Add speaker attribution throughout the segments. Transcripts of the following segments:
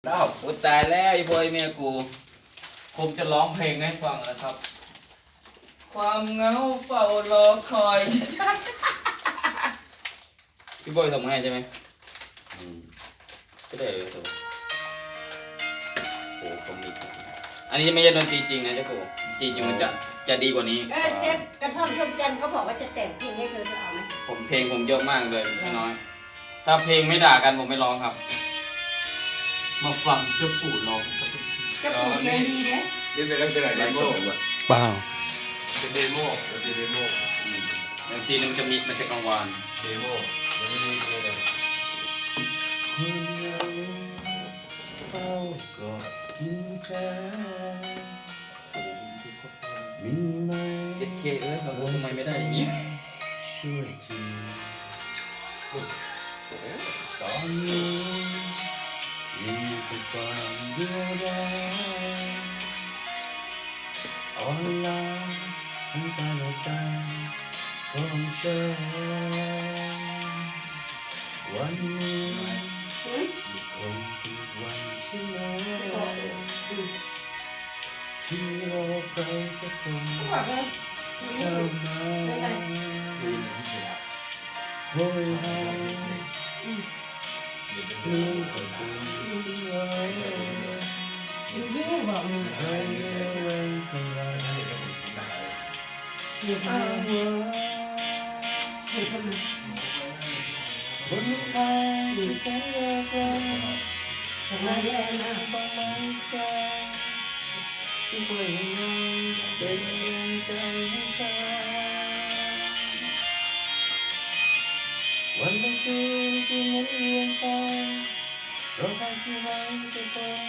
Speaker 1: แล้ว
Speaker 2: โอ้ตายแล้วไอ้บอยเมียกูผมจะร้องเพลงให้ฟังนะครับ ความเหงาเฝ้ารอคอยพี่บอยส่งมาให้ใช่ไหมก็ได้เลยตัวโอ้คอมมิกอันนี้ไม่ใช่ดนตรีจริงนะเจ้ากูจริงมันจะดีกว่านี้
Speaker 3: เชฟกระท่อมชมจันทร์เขาบอกว่าจะแต่งเพลงให้เธอจะเอาไหม
Speaker 2: เพลงผมเยอะมากเลยไม่น้อย ถ้าเพลงไม่ด่ากันผมไม่ร้องครับ มาฟังเจ้าปู่ร้องกับ
Speaker 3: จะปลูกเสียงดีเนี่ย
Speaker 1: นี่เป็นลักษณะเดโม
Speaker 4: เปล่า
Speaker 1: เป็นเดโมมันเป็นเดโม
Speaker 2: บางทีมันจะกังวาน
Speaker 1: เดโมมันไม่ได้อะไรเฝ้ากอดกินใจมีไหม
Speaker 2: เด็ดเคเอ้ยเราทำไมไม่ได้อย่างนี้
Speaker 1: ช่วยทีตอนนี้มีแต่ความเดียวดายอ่อนล้าทั้งกายและใจของฉันวันนี้คงเป็นวันใช่ไหมที่รอใครสักคน
Speaker 3: เขาบอกว่า
Speaker 1: เข้ามาโหยหาเรื่องของคุณสิ่งไร
Speaker 3: อยู่ที่บอก
Speaker 1: ให้เรื่องของเรา
Speaker 3: อยู่
Speaker 1: อ้า
Speaker 3: ที่
Speaker 1: ว
Speaker 3: อยู่ที่มัน
Speaker 1: บนทางที่แสนยากไกล
Speaker 3: ทำไมแย่นะ
Speaker 1: บางมันใจที่คอยยังเป็นแรงใจให้ฉันวันและคืนที่หมุนเวียนไปเราใครที่ไว้แต่ตน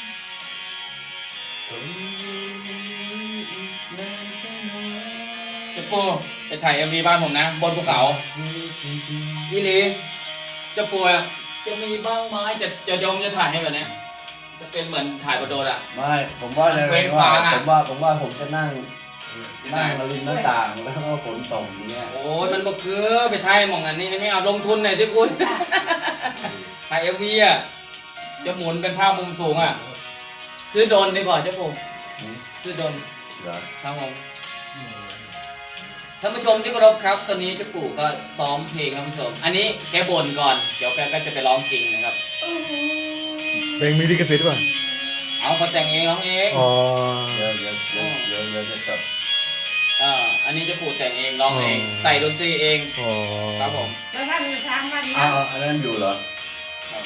Speaker 1: ตรงนี้อีกนานแค่ไหน
Speaker 2: เจ้าปู่ไปถ่าย MV บ้านผมนะ บนภูเขาอีหลีเจ้าปู่อะจะมีบ้างไหมจะถ่ายให้แบบเนี้ยจะเป็นเหมือนถ่ายบนโดดอะ
Speaker 1: ไม่ผมว่าใน
Speaker 2: เว้
Speaker 1: เรื่อง
Speaker 2: น
Speaker 1: ว่า
Speaker 2: ฟางอะ
Speaker 1: ผมว่าผมจะนั่งริมหน้าต่างแล้วก็ฝนตกอย่างเงี้ย
Speaker 2: โอ้ยมันก็คือไปถ่ายหมองอันนี้ไม่เอาลงทุนหน่อยที่คุณ ถ่าย MV อะจะหมุนเป็นภาพมุมสูงอะซื้อโดรนดีกว่าเจ้าปู่ซื้อโดรน
Speaker 1: เหรอ
Speaker 2: ครับผมท่านผู้ชมที่เคารพครับตอนนี้เจ้าปู่ก็ซ้อมเพลงท่านผู้ชม อันนี้แกบ่นก่อนเดี๋ยวแกก็จะไปร้องจริงนะครับ
Speaker 4: เพลงมีลิขสิทธิ์ป่ะ
Speaker 2: เอาเขาแต่งเองร้องเอง
Speaker 4: อ๋อ
Speaker 1: เดี๋ยวจะจับ
Speaker 2: อันนี้เจ้าปู่แต่งเองร้องเอง ใส่ดนตรีเอง
Speaker 4: อ๋อ
Speaker 2: ครับผม
Speaker 3: แล้วถ้ามีช้างวันนี้
Speaker 1: อ้าวอันนั้นอยู่เหรอ
Speaker 2: ครับ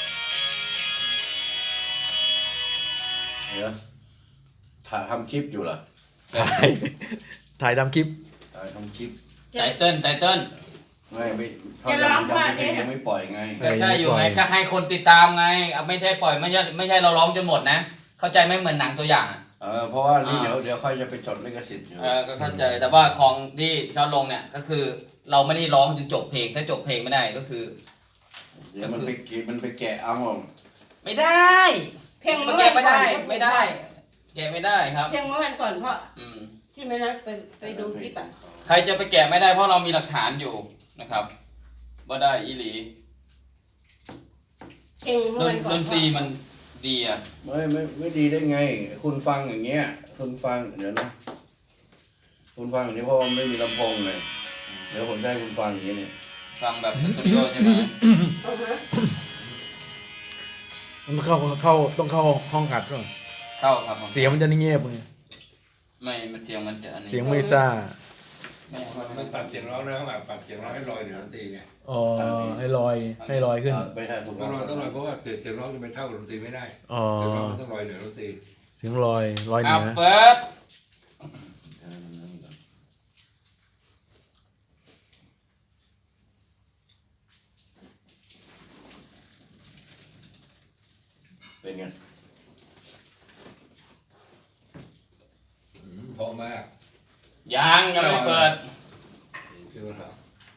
Speaker 1: เดี๋ยวถ่ายทำคลิปอยู่เหรอ
Speaker 4: ถ่ายทำคลิป
Speaker 1: ถ่ายทำคลิป
Speaker 2: ไตเติ้ล
Speaker 1: ไม่ถ้ายังไม่ปล่อยไง
Speaker 2: ก็ใช่อยู่ไงก็ให้คนติดตามไงเอาไม่ใช่ปล่อยไม่ใช่เราร้องจนหมดนะ เข้าใจไหมเหมือนหนังตัวอย่างอะ
Speaker 1: เพราะว่านี่เดี๋ยวค่อยจะไปจดลิขสิทธิ์อยู่
Speaker 2: ก็เข้าใจแต่ว่าของที่เขาลงเนี่ยก็คือเราไม่ได้ร้องจนจบเพลงถ้าจบเพลงไม่ได้ก็คือ
Speaker 1: เดี๋ยวมันไปแกะเอา
Speaker 2: ไม่ได้
Speaker 3: เพลง
Speaker 2: มัน
Speaker 3: เมื่อ
Speaker 2: แกะ
Speaker 3: วัน
Speaker 2: ไม่
Speaker 3: ก่อ
Speaker 2: ได้
Speaker 3: น
Speaker 2: ไม่ได้แกะไม่ได้ครับ
Speaker 3: เพลงเมื่อวันก่อนเพราะ
Speaker 2: อืม
Speaker 3: ที่ไม่นั้นไปดูคลิปอ่ะ
Speaker 2: ใครจะไปแกะไม่ได้เพราะเรามีหลักฐานอยู่นะครับว่าได้อีหลี
Speaker 3: เพลงเมื่อวันก่อน
Speaker 2: ดนตรีมันดีอ่ะ
Speaker 1: ไม่ดีได้ไง คุณฟังอย่างเงี้ยคุณฟังเดี๋ยวนะคุณฟังอย่างนี้เพราะว่าไม่มีลำโพงเลยเดี๋ยวผมจะให้คุณฟังอย่างนี้เนี่ย
Speaker 2: ฟังแบบสตูดิโอใช่ไหม
Speaker 3: เอาฮะ
Speaker 4: มันต้องเข้าห้องอัดก่อน
Speaker 2: เข้าครับผม
Speaker 4: เสียงมันจะเงียบไง
Speaker 2: ไม่มันเสียงมันจะอันนี้
Speaker 4: เสียงไม่ซ่า
Speaker 2: ไม่เอา
Speaker 5: มันปรับเสียงร้องนะแบบปรับเสียงร้องให้ลอยเหนือดนตรีไง
Speaker 4: อ๋อให้ลอยขึ้น
Speaker 1: ไม่ใช่ผม
Speaker 5: ต้องลอยเพราะว่าเสียงร้องจะไปเท่ากับดนตรีไม่ได้
Speaker 4: อ๋อ
Speaker 5: เสียงร้องมันต้องลอยเหนือดนตรี
Speaker 4: เสียงลอยเหนื
Speaker 2: อ่ะ
Speaker 4: อ
Speaker 2: เปิด
Speaker 1: เป็นไง
Speaker 5: เพราะมาก
Speaker 2: ยังไม่เปิด
Speaker 5: คือว่าเรา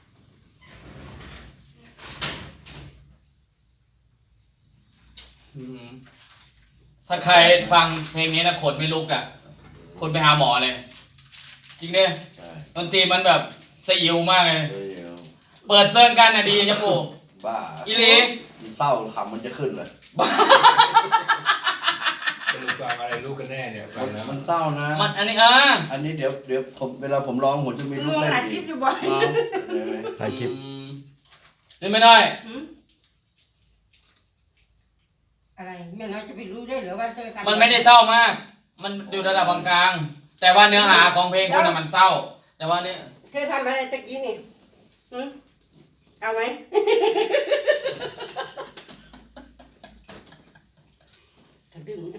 Speaker 2: อืมถ้าใครฟังเพลงนี้นะขนไม่ลุกอ่ะคนไปหาหมอเลย จริงเนี่ย
Speaker 1: ใช่
Speaker 2: ดนตรีมันแบบสยิวมากเลย
Speaker 1: เดี๋ยว
Speaker 2: เปิดเซิร์งกันนะดีจ้ะปู่
Speaker 1: บ้า
Speaker 2: อีหลี
Speaker 1: เศร้าขำมันจะขึ้นเลย
Speaker 5: สรุปฟังอะไรรู้กันแน่เนี่ยฟังแล้ว
Speaker 1: มันเศร้านะ
Speaker 2: มันอันนี้
Speaker 1: อันนี้เดี๋ยวผมเวลาผมร้องผมจะมี
Speaker 3: ลุ
Speaker 1: ลู
Speaker 3: ง
Speaker 1: กเล่น
Speaker 3: อัดค
Speaker 1: อี
Speaker 3: ลิ
Speaker 1: ก
Speaker 3: ปอยู่บ่อย
Speaker 1: เห็นไหม
Speaker 4: ถ่ายคลิป
Speaker 2: นี่ไม่ได้
Speaker 3: อะไรแม่น้อยจะไปรู้ได้เหรือว่าเธอทำ
Speaker 2: มันไม่ได้เศร้ามาก มันอยู่ระดับกลางๆแต่ว่าเนื้อหาของเพลงคุณน่ะมันเศร้า แต่ว่าเนี่ย
Speaker 3: เธอทำอะไรตะกี้นี่เอาไหมจะดึงนะ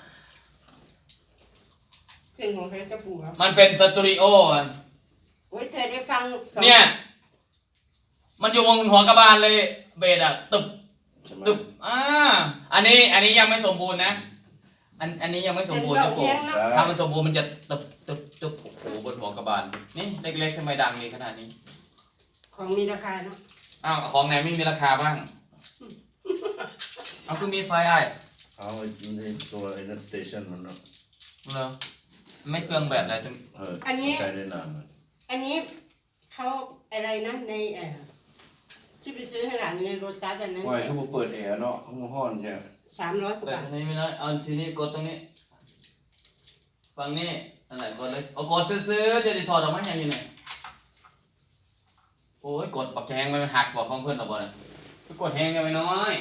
Speaker 3: เพลงของเธอจะปวด
Speaker 2: มันเป็นสตูดิโออะ
Speaker 3: โอ้ยเธอได้ฟังสอง
Speaker 2: เนี่ย มันอยู่วงหัวกระบาลเลยเบสอะตึบ
Speaker 1: ใช่ไหม
Speaker 2: ตึบอันนี้ยังไม่สมบูรณ์นะ อันนี้ยังไม่สมบูรณ์นะปู่ถ้ามันสมบูรณ์มันจะตึบตึบตึบโอ้โหบนหัวกระบาลนี่เล็กๆทำไมดังดีขนาดนี้
Speaker 3: ของมีราคาเนาะ
Speaker 2: อ้าวของไหนไม่มีราคาบ้าง เอาคือมีไฟไอ้
Speaker 1: เอาไอ้ตัวไอ้นั่นสเตชันมันเนาะ
Speaker 2: เหรอไม่เปลืองแบตอะไรจัง
Speaker 3: อันนี้
Speaker 1: ใช้ได้นาน
Speaker 3: อันนี้เขาอะไรนะในที่ไปซื้อให้หลานในโรตัสอันนั้น
Speaker 1: ว่าเขาบอกเปิดแอร์เนาะเขามาห้อนใช่ไหม
Speaker 3: 300 กว่า
Speaker 2: แต่
Speaker 3: บาท
Speaker 2: นี่ไม่น้อยเอาทีนี้กดตรงนี้ ฟังนี่อันไหนกดเลยเอากดซื้อๆจะได้ถอดออกมาอย่างอยู่ไหนโอ้ยกดปักแหงมันหักบอกของเพื่อนเราบ่เนี่ยก็กดแหงกันไปน้อย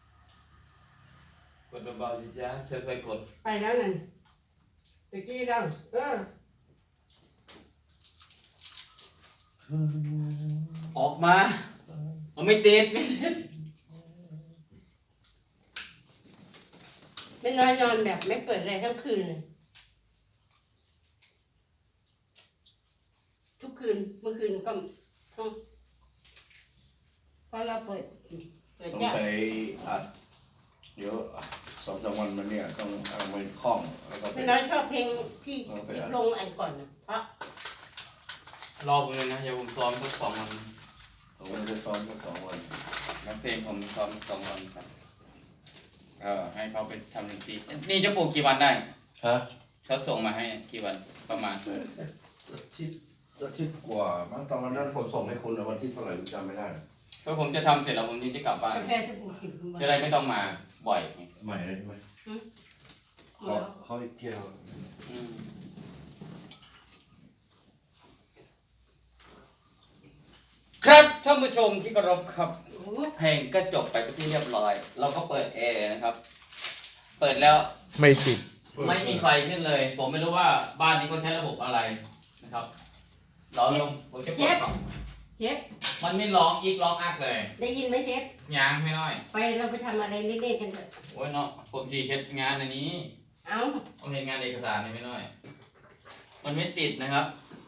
Speaker 2: กดเบาๆสิจ้าเธอเคยกด
Speaker 3: ไปแล้วนั่นตะกี้เรา
Speaker 2: ออกมาเอาไม่ติดไม่ติด
Speaker 3: ไม่น้อยนอนแบบไม่เปิดอะไรทั้งคืนเลยทุกคืนเมื่อคืนก็พอเราเปิด
Speaker 1: สง
Speaker 3: จ้ะ
Speaker 1: สัยอัดเดี๋ยว2-3 วันมาเนี่ยต้องเอาไปคล้องแล้วก็ไป
Speaker 3: ไม่น้อยชอบเพลงที่ลงอันก่อนนะเพราะ
Speaker 2: รอผมเลยนะอย่าผมซ้อมสัก2 วัน
Speaker 1: ผมจะซ้อมสัก2 วัน
Speaker 2: นักเพลงผมซ้อม2 วันครับให้เขาไปทำดนตรีนี่จะปลูกกี่วันได้
Speaker 1: ฮะ
Speaker 2: เขาส่งมาให้กี่วันประมาณ
Speaker 1: อาทิตย์กว่ามั้งตอนวันนั้นผมส่งให้คุณวันที่เท่าไหร่ผมจำไม่ได้
Speaker 2: เพราะผมจะทำเสร็จแล้วผมจะกลับบ้าน
Speaker 3: กาแฟจะปลูกกินทุกวัน
Speaker 2: จะได้ไม่ต้องมาบ่อย
Speaker 1: ใหม่เลยใช่ไหมเขาอีกเกี่ยว
Speaker 2: อืมครับท่านผู้ชมที่เคารพครับ
Speaker 3: โอ้
Speaker 2: เพลงก็จบไปเป็นที่เรียบร้อย เราก็เปิดแอร์นะครับ เปิดแล้ว
Speaker 4: ไม่ติด
Speaker 2: ไม่มีไฟขึ้นเลย ผมไม่รู้ว่าบ้านนี้เขาใช้ระบบอะไรนะครับเราลงผมจะเปิดก่อน
Speaker 3: เชฟ
Speaker 2: มันไม่ร้องอีกร้องอักเลย
Speaker 3: ได้ยินไหมเชฟ
Speaker 2: ยางไม่น้อย
Speaker 3: ไปเราไปทำอะไรเล่นๆกันเถอะ
Speaker 2: โอ้ยเนาะผมจีเฮ็ดงานอันนี้
Speaker 3: เอา
Speaker 2: ผมเห็นงานเอกสารนี่ไม่น้อย มันไม่ติดนะครับ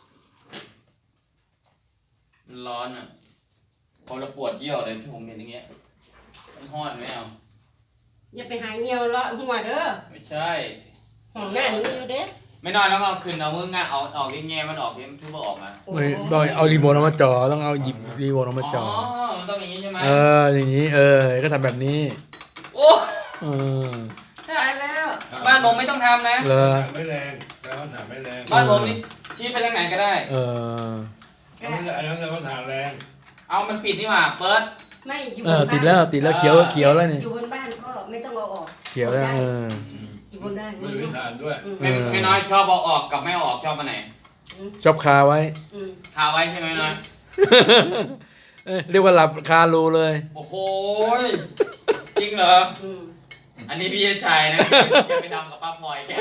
Speaker 2: มันร้อนอ่ะผมระปวดเยี่ยวเลยที่ผมเห็นอย่างเงี้ยมันห้อนไหมเอา
Speaker 3: อย่าไปหาเงียวเลาะหัวเด้อ
Speaker 2: ไม่ใช่
Speaker 3: ห้องหน้าหนูอยู่เด้อ
Speaker 2: ไม่น้อยแล้วก็เอาขึ้นเอามืองะเอาออกที่แง่มันออกที่มันทุบออกมา
Speaker 4: ไม่ต้องเอารีโมทออกมาจอต้องเอาหยิบรีโมทออกมาจอ
Speaker 2: มันต้องอย่างนี้ใช่ไหม
Speaker 4: อย่างนี้ก็ทำแบบนี้
Speaker 2: โอ้
Speaker 4: เออ
Speaker 2: ตายแล้ว บ้านผมไม่ต้องทำนะ
Speaker 4: เลย
Speaker 5: ถามไม่แรงแล้วก็ถามไม่แรง
Speaker 2: บ้านผมนี่ชี้ไปทางไหนก็ได้
Speaker 5: อันนั้นเราก็ถามแรง
Speaker 2: เอามันปิดนี่หว่า เปิด
Speaker 3: ไม่อยู่
Speaker 4: ติดแล้วเขียวแล้วนี่
Speaker 3: อยู่บนบ้านก็ไม่ต้องเอาออก
Speaker 4: เขียวแล้ว
Speaker 3: อยู่บนบ้าน
Speaker 5: ไม่มีฐานด้วย
Speaker 2: ไม่น้อยชอบเอาออกกับไม่เอาออกชอบอันไหน
Speaker 4: ชอบคาไว้
Speaker 2: คาไว้ใช่ไหมน้อย
Speaker 4: เรียกว่าหลับคารูเลย
Speaker 2: โอ้โหยจริงเหรอ อันนี้พี่ชายนะจะไปทำกับป้าพลอยแก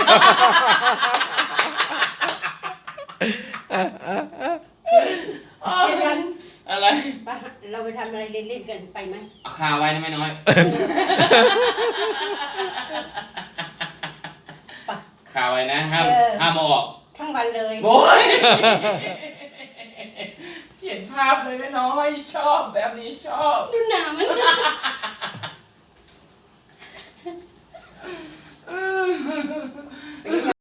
Speaker 3: เช่นนั้น
Speaker 2: อะไร
Speaker 3: เราไปทำอะไรเล่นๆกันไปไหม
Speaker 2: เอาคาไว้นะไม่น้อย คาไว้นะห้ามเอาออก
Speaker 3: ทั้งวันเลย
Speaker 2: โอ้ยเสียงภาพเลยไม่น้อยชอบแบบนี้ชอบ
Speaker 3: ดูหนามัน